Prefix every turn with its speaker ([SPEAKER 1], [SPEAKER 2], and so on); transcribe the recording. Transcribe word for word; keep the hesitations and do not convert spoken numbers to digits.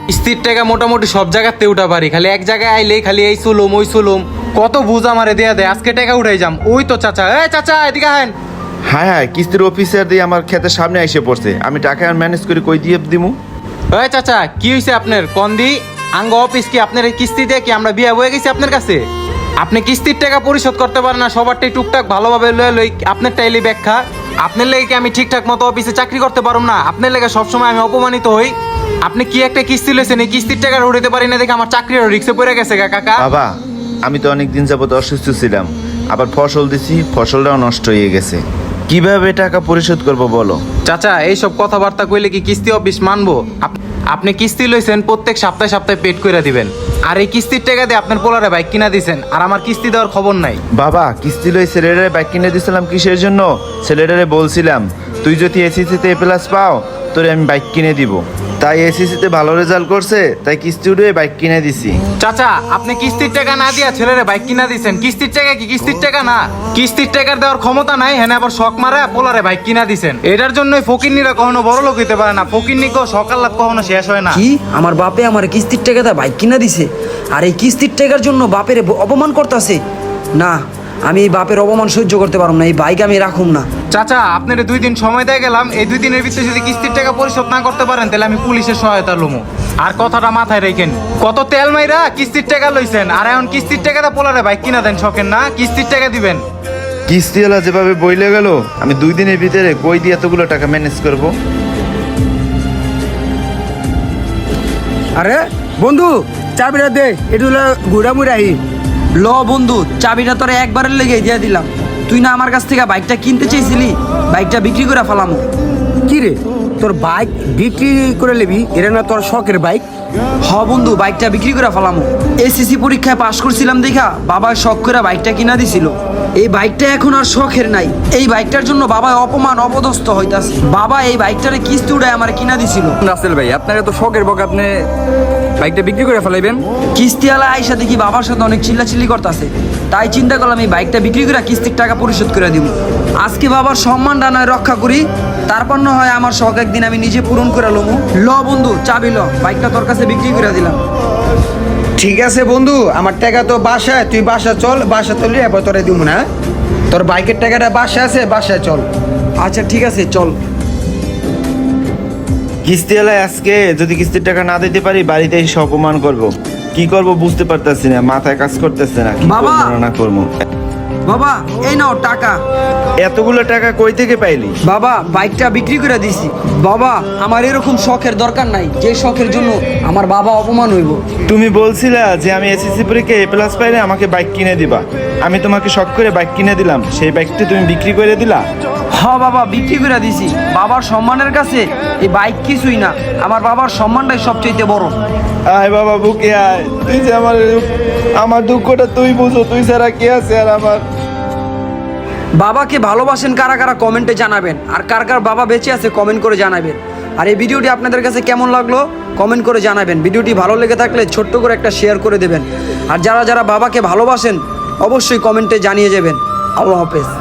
[SPEAKER 1] কিস্তির টাকা মোটামুটি সব জায়গাতে উঠা পারি, খালি এক জায়গায় আইলেই খালি এই চুলুম ওই চুলুম কত বুঝ আমারে দেয়া দেয়। আজকে টাকা উঠাই যাম। ওই তো চাচা, এ চাচা এদিকে আহেন।
[SPEAKER 2] হ্যাঁ হ্যাঁ, কিস্তির অফিসার দিয়ে আমার ক্ষেতের সামনে এসে পড়ছে। আমি টাকা ম্যানেজ করে কই দিয়ে দিমু?
[SPEAKER 1] ওই চাচা কি হয়েছে আপনার কন্দি আঙ্গ অফিস কি আপনার এই কিস্তি দিয়ে কি আমরা বিয়ে হয়ে গেছি আপনার কাছে? আপনি কিস্তির টাকা পরিশোধ করতে পারেন না, সবারটাই টুকটাক ভালোভাবে লয়ে লই। আপনার টাইলি ব্যাখ্যা আপনার লেগে কি আমি ঠিকঠাক মতো অফিসে চাকরি করতে পারবো না? আপনার লেগে সবসময় আমি অপমানিত হই। আপনি কি একটা কিস্তি লইছেন, এই কিস্তির টাকা উঠাতে পারি না দেখে আমার চাকরির রিক্সে পড়ে গেছে গা কাকা।
[SPEAKER 2] বাবা, আমি তো অনেক দিন যাবত অসুস্থ ছিলাম, আবার ফসল দিছি, ফসলটাও নষ্ট হয়ে গেছে। কিভাবে টাকা পরিশোধ করব বলো?
[SPEAKER 1] চাচা এইসব কথাবার্তা কইলে কি কিস্তি অফিস মানবো? আপ- আপনি কিস্তি লইছেন, প্রত্যেক সপ্তাহে সপ্তাহে পেড করে দিবেন। আর এই কিস্তির টাকা দিয়ে আপনার পোলারে বাইক কিনা দিছেন, আর আমার কিস্তি দেওয়ার খবর নাই।
[SPEAKER 2] বাবা, কিস্তি লই ছেলেটারে বাইক কিনে দিয়েছিলাম কিসের জন্য? ছেলেটারে বলছিলাম তুই যদি এসিসিতে এ প্লাস পাও তোরে আমি বাইক কিনে দিব। তাই এসিসিতে ভালো রেজাল্ট করছে, তাই কিস্তি উঠে বাইক কিনে দিছি।
[SPEAKER 1] চাচা আপনি কিস্তির টাকা না দিয়া ছেলেরে বাইক কিনা দিছেন। কিস্তির টাকা কি কিস্তির টাকা না? কিস্তির টাকার দেওয়ার ক্ষমতা নাই, হ্যাঁ আবার শখ মারা পোলারে বাইক কিনা দিছেন। এটার জন্যই ফকিন্নিরা কখনো বড় লোক হইতে পারে না। ফকিন্নি কো সকাল রাত কখনো শেষ হয় না।
[SPEAKER 3] কি আমার বাপে আমার কিস্তির টাকা দা বাইক কিনা দিছে, আর এই কিস্তির টাকার জন্য বাপের অপমান করতেছে? না, আমি এই বাপের অপমান সহ্য করতে পারব না, এই বাইক আমি রাখুম না।
[SPEAKER 1] চাচা আপনার দুই দিন সময় দিয়ে গেলাম, এই দুই দিনের ভিতরে যদি কিস্তির টাকা পরিশোধ না করতে পারেন তাহলে আমি পুলিশের সহায়তা লমু। আর কথাটা মাথায় রেখেন, কত তেল মাইরা কিস্তির টাকা লইছেন, আর এখন কিস্তির টাকাটা পোলারে বাইক কিনা দেন শখেন না, কিস্তির টাকা দিবেন।
[SPEAKER 2] কিস্তিওয়ালা যেভাবে বইলে গেল, আমি দুই দিনের ভিতরে কই দিয়ে এতগুলো টাকা ম্যানেজ করব?
[SPEAKER 4] আরে বন্ধু, চাবিটা দে, একটু ঘুরা মুড়াহি।
[SPEAKER 3] ল বন্ধু, চাবিটা তোরা একবারের লেগে দিয়ে দিলাম। তুই না আমার কাছ থেকে বাইকটা কিনতে চেয়েছিলি, বাইকটা বিক্রি করে ফেলামো।
[SPEAKER 4] কি রে, তোর বাইক বিক্রি করে নিবি? এটা না তোর শখের বাইক?
[SPEAKER 3] হ বন্ধু, বাইকটা বিক্রি করে ফেলামো। এসএসসি পরীক্ষায় পাশ করছিলাম দেখা বাবা শখ করে বাইকটা কিনা দিছিল। এই বাইকটা এখন আর শখের নাই, এই বাইকটার জন্য বাবা অপমান অপদস্থ হইতাছে। বাবা এই বাইকটারে কিস্তি উড়ায় আমার কিনা দিছিল।
[SPEAKER 5] রাসেল ভাই, আপনার এত শখের বক, আপনি বাইকটা বিক্রি করে ফেলাইবেন?
[SPEAKER 3] কিস্তিওয়ালা আইসা দেখি বাবার সাথে অনেক চিল্লাচিল্লি করতেছে, তাই চিন্তা করলাম এই বাইকটা বিক্রি করে কিস্তির টাকা পরিশোধ করে দিব। আজকে বাবার সম্মানটা নয় রক্ষা করি, তারপর না হয় আমার শখ একদিন আমি নিজে পূরণ করে লমু। ল বন্ধু, চাবি ল, বাইকটা তোর কাছে বিক্রি করে দিলাম।
[SPEAKER 4] ঠিক আছে বন্ধু, আমার টাকা তো বাসায়, তুই বাসা চল, বাসা চললি এবার তোরে দিব না। তোর বাইকের টাকাটা বাসায় আছে, বাসায় চল।
[SPEAKER 3] আচ্ছা ঠিক আছে, চল।
[SPEAKER 2] কিস্তিওয়ালা আজকে যদি কিস্তির টাকা না দিতে পারি বাড়িতে এসে অপমান করব। কি করব বুঝতে পারতেছি না, মাথায় কাজ করতেছে না, কি
[SPEAKER 3] বাবা!
[SPEAKER 2] করবো না করবো।
[SPEAKER 3] বাবা এই নাও টাকা।
[SPEAKER 2] এতগুলো টাকা কই থেকে পাইলি?
[SPEAKER 3] বাবা বাইকটা বিক্রি করে দিছি। বাবা আমার এরকম শখের দরকার নাই, যে শখের জন্য আমার বাবা অপমান হইব।
[SPEAKER 2] তুমি বলছিলা যে আমি এসএসসি পরীক্ষায় এ প্লাস পাইলে আমাকে বাইক কিনে দিবা। আমি তোমাকে শখ করে বাইক কিনে দিলাম, সেই বাইকটি তুমি বিক্রি করে দিলা।
[SPEAKER 3] হ বাবা, বিক্রি করে দিছি। বাবার সম্মানের কাছে এই বাইক কিছুই না, আমার বাবার সম্মানটাই সবচেয়ে বড়।
[SPEAKER 2] আয় বাবা বুকে আয়, তুই যে আমার আমার দুঃখটা তুই বুঝো, তুই ছাড়া কে আছে আর আমার?
[SPEAKER 3] বাবাকে ভালোবাসেন কারা কারা কমেন্টে জানাবেন, আর কার কার বাবা বেঁচে আছে কমেন্ট করে জানাবেন। আর এই ভিডিওটি আপনাদের কাছে কেমন লাগলো কমেন্ট করে জানাবেন। ভিডিওটি ভালো লেগে থাকলে ছোট্ট করে একটা শেয়ার করে দেবেন। আর যারা যারা বাবাকে ভালোবাসেন অবশ্যই কমেন্টে জানিয়ে যাবেন। আল্লাহ হাফেজ।